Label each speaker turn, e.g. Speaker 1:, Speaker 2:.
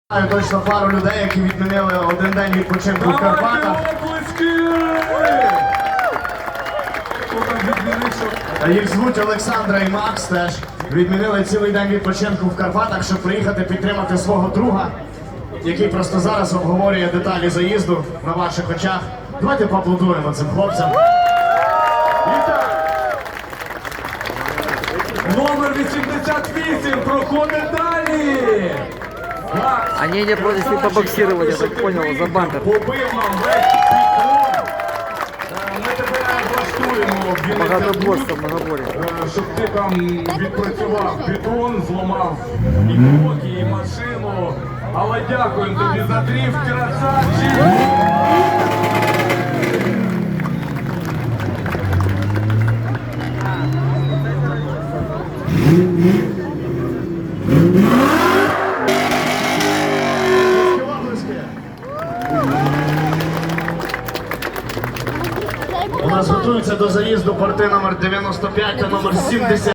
Speaker 1: Точно пару людей, які відмінили один день відпочинку в Карпатах. Їх звуть Олександра і Макс теж. Відмінили цілий день відпочинку в Карпатах, щоб приїхати підтримати свого друга, який просто зараз обговорює деталі заїзду на ваших очах. Давайте поаплодуємо цим хлопцям.
Speaker 2: Номер 88 проходить далі.
Speaker 3: Они не просили побоксировать, я так понял, за бампер.
Speaker 2: Побив нам весь підкон. Ми тебе влаштуємо в
Speaker 3: Багатоборство, многобор'я.
Speaker 2: щоб ти там відпрацював бетон, зламав і блоки, і машину. Але дякуємо тобі за дріфт, красавчик!
Speaker 1: У нас готуються до заїзду порти номер 95 та номер 70.